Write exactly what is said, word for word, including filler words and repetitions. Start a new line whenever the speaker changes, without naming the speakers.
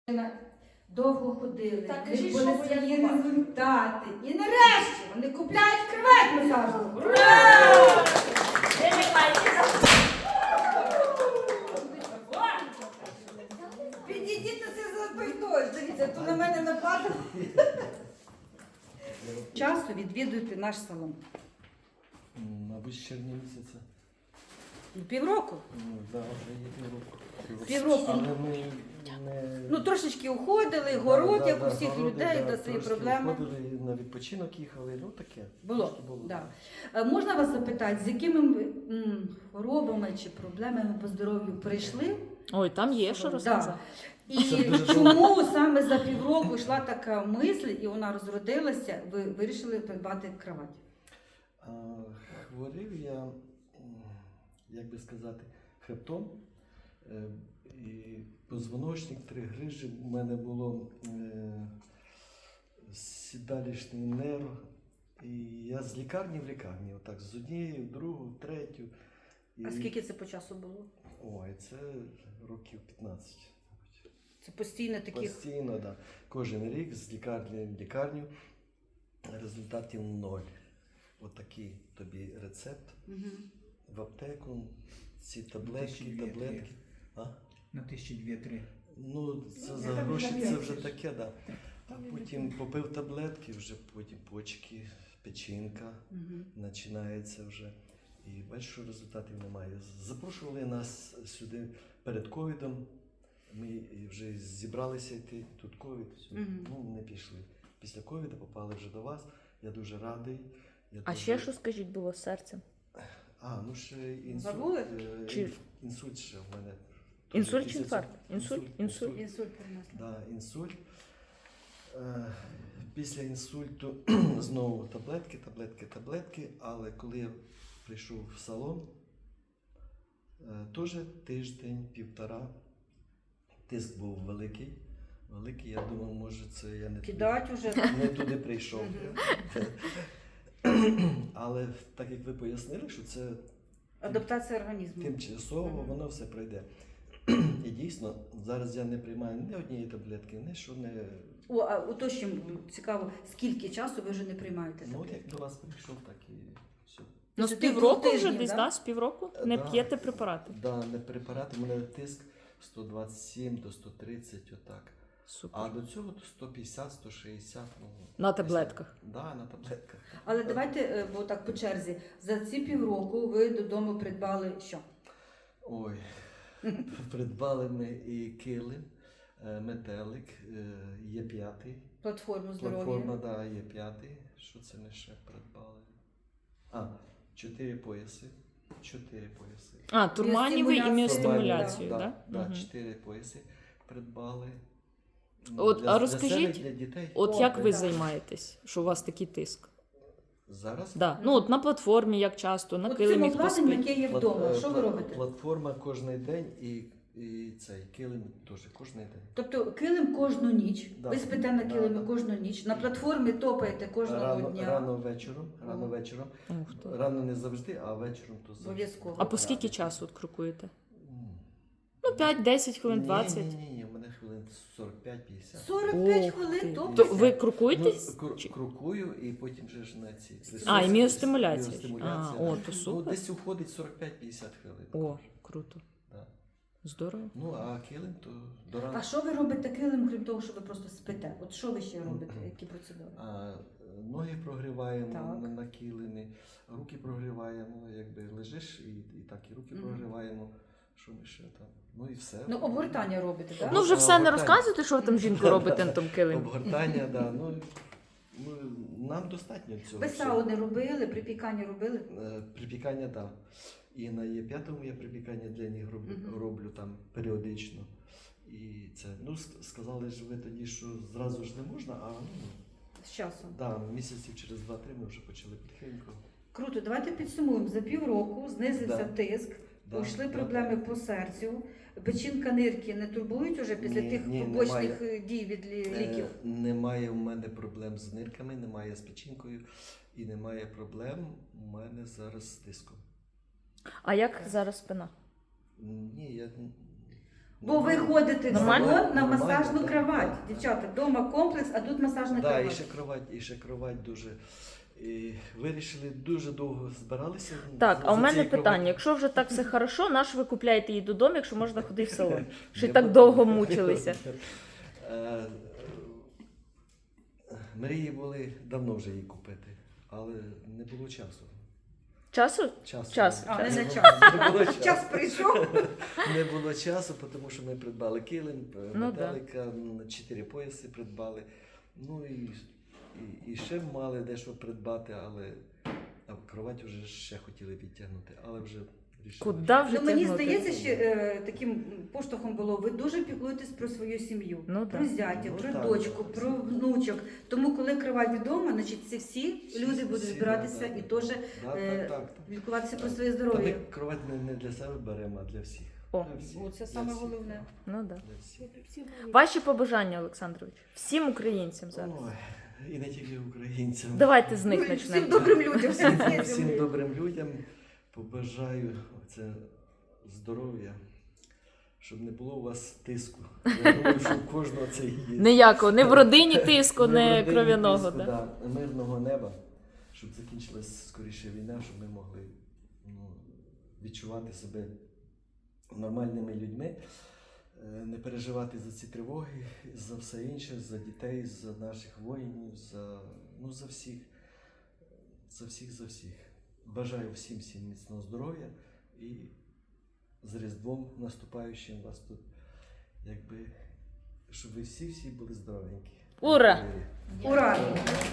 Довго ходили,
Так,
не
кажіть,
були
що ви
свої
як бачите.
результати. І нарешті вони купляють кровать масажну.
Ура! Ви не маєте.
Підійдіть на це запитось. Дивіться, то на мене нападало. Часто відвідуйте наш салон.
Мабуть, з червня місяця.
Ну, півроку.
Ну, да, вже є півроку.
Півроку.
Але ми не...
Ну, трошечки уходили, город,
Да,
як
да,
у всіх
городи,
людей,
да,
до свої
трошки
проблеми.
Ходили, на відпочинок їхали, ну таке.
Було,
Трошки було.
да. Е, Можна вас запитати, з якими ви, м, хворобами чи проблемами по здоров'ю прийшли?
Ой, там є що
Да.
розказати.
І
Це дуже
чому саме за півроку йшла така мисль, і вона розродилася, ви вирішили придбати кровать?
А, хворів я, м, як би сказати, хребтом. Е, І позвоночник, три грижі. У мене було е, сідалищний нерв. І я з лікарні в лікарні, отак, з однієї, в другу, в третю. І...
А скільки це по часу було?
Ой, це років п'ятнадцять.
Це постійно таких.
Постійно, так. Да. Кожен рік з лікарні в лікарню результатів ноль. Отакий тобі рецепт.
Угу.
В аптеку, ці таблетки,
тисячі дві-три.
таблетки. А?
На тисячі дві-три.
Ну, це
Ну,
за
я так
гроші,
не
це
знаю.
вже таке, да. А потім попив таблетки, вже потім почки, печінка
Угу.
починається вже. І бачиш, що результатів немає. Запрошували нас сюди перед ковідом. Ми вже зібралися йти, тут ковід, все.
Мгм.
Ну не пішли. Після ковіду попали вже до вас. Я дуже радий. Я
А
дуже...
ще що, скажіть, було з серцем?
А, ну ще інсульт.
Забули?
е,
Чи-
інф- Інсульт ще в мене.
Інсульт
Після
чи інфаркт?
цього-
Інсульт? Інсульт.
Інсульт перенесли.
Да, інсульт. Е, Після інсульту знову таблетки, таблетки, таблетки. Але коли я прийшов в салон, е, теж тиждень, півтора, тиск був великий. Великий, я думав, може це я не туди,
Кидать уже.
не туди прийшов.
Мгм.
Але так як ви пояснили, що це
Адаптація організму.
тимчасово,
Мгм.
воно все пройде. І дійсно, зараз я не приймаю ні однієї таблетки, ні що не.
О, а уточнюємо, цікаво, скільки часу ви вже не приймаєте
Ну,
таблетки?
як до вас прийшов, так і все.
Ну, з
Це
півроку
двох
вже
тижнів,
десь,
да?
да? З півроку? Не
Да.
п'єте препарати?
Да, не препарати, у мене тиск сто двадцять сім до сто тридцять, отак.
Супер.
А до цього то сто п'ятдесят сто шістдесят. Ну,
На таблетках?
Так, да, на таблетках.
Але давайте, е, бо так по черзі, за ці півроку ви додому придбали що?
Ой, придбали ми і килим, е, метелик, е, є п'ятий.
Платформу здоров'я.
Платформа, да, є п'ятий. Що це ми ще придбали? А, чотири пояси. Чотири пояси.
А, турманівий і
Біостимуляцію,
міостимуляцію,
да?
так?
Да,
Мгм.
чотири пояси придбали.
От,
Для-
а
для
розкажіть,
себе, для дітей.
От
О,
як ви
да.
займаєтесь, що у вас такий тиск?
Зараз?
Да. Ну, от на платформі, як часто, на
От цим
килимі хто
обладнанням,
спить.
яке є
Плат-
вдома,
е,
що ви
пла-
робите?
Платформа кожен день і, і цей килим теж кожен день.
Тобто килим кожну ніч,
Да.
ви спите на
Да,
килимі
да.
кожну ніч, на платформі топаєте кожного
Рано,
дня.
рано вечором, рано
О.
вечором.
Ух ти.
Рано не завжди, а вечором то завжди.
Обов'язково.
А по скільки часу от крокуєте?
М.
Ну, п'ять-десять хвилин,
Ні,
двадцять.
Ні, ні, ні, у мене хвилин сорок п'ять п'ятдесят.
сорок п'ять
Ох
хвилин
ти.
топите?
То ви
Ну,
крокуєтесь?
кру-
Чи-
крокую і потім вже ж на ці.
А, і міостимуляція.
Міостимуляція.
А, о, то
Ну,
супер.
десь уходить сорок п'ять п'ятдесят хвилин.
О, круто.
Да.
Здорово.
Ну, а килим то до ранку.
А що ви робите килим, крім того, що ви просто спите? От що ви ще робите? Які процедури?
А, ноги прогріваємо
Так.
на, на килимі, руки прогріваємо, якби лежиш і, і так і руки
Мгм.
прогріваємо. Що ми ще там? Ну і все.
Ну, обгортання робите, так?
Ну, вже
А,
все не
обгортання.
розказуєте, що ви там жінку робите на тому килимі?
Обгортання, да. Ну, ну, нам достатньо цього.
Ви
всього.
сауни робили, припікання робили?
Е, Припікання, так. Да. І на Є п'ятому я припікання для них роблю,
Мгм.
роблю там періодично. І це, ну, с- сказали ж ви тоді, що зразу ж не можна, а ну,
З часом.
да, місяців через два-три ми вже почали потихеньку.
Круто, давайте підсумуємо. За півроку знизився
Да.
тиск,
Да,
пішли
да.
проблеми по серцю, печінка нирки не турбують уже після
Ні,
тих
ні,
побочних
немає.
е, дій від лі- ліків?
Е, немає в мене проблем з нирками, немає з печінкою і немає проблем у мене зараз з тиском.
А як зараз спина?
Ні, я
Бо ви ходите в
Нормально?
салон на
Нормально,
масажну
так,
кровать.
так, так.
Дівчата, вдома комплекс, а тут масажна
Да, і
кровать.
ще кровать, і ще кровать дуже. І вирішили, дуже довго збиралися.
Так,
за-
а у
за
мене
цією
питання:
кроваттю.
якщо вже так все хорошо, наш ви купляєте її додому, якщо можна ходити в салон? Що
Не
так
буду.
довго мучилися?
Е, Мрії були давно вже її купити, але не було часу.
Часу?
Часу.
Час.
А, не
Не
на
було-
час.
Не було часу.
Час прийшов.
Не було часу, тому що ми придбали килим,
Ну,
металика, м, чотири пояси придбали. Ну і, і, і ще мали дещо придбати, але а кровать вже ще хотіли відтягнути, але вже рішили.
Куди вже
Ну, мені
тягнути?
здається, що е, таким поштовхом було, ви дуже піклуєтесь про свою сім'ю,
Ну,
про
да.
зятя,
Ну,
про
так,
дочку,
так.
про внучок. Тому, коли кровать вдома, значить це всі люди будуть
Всі,
збиратися
да, да,
і
да.
теж
Да,
е,
так, так, так.
лікуватися про своє
Та
здоров'я.
ми кровать не, не для себе беремо, а для всіх.
О.
Для всіх,
О, це
для
саме
всіх.
головне.
Ну да.
Для всіх.
Ваші побажання, Олександрович, всім українцям зараз.
Ой, і не тільки українцям.
Давайте з них
Ну, Всім
почнемо.
добрим людям. всім
Всім,
цим.
всім добрим людям побажаю це здоров'я, щоб не було у вас тиску. Я думаю, що у кожного це є.
Ніякого, не в родині тиску,
Не в
не
родині
кров'яного.
тиску,
Да?
да. Мирного неба, щоб закінчилась скоріше війна, щоб ми могли ну, відчувати себе нормальними людьми, е, не переживати за ці тривоги, за все інше, за дітей, за наших воїнів, за, ну, за всіх, за всіх, за всіх. Бажаю всім всім міцного здоров'я і з Різдвом наступаючим вас тут, якби, щоб ви всі-всі були здоровенькі.
Ура!
Ура!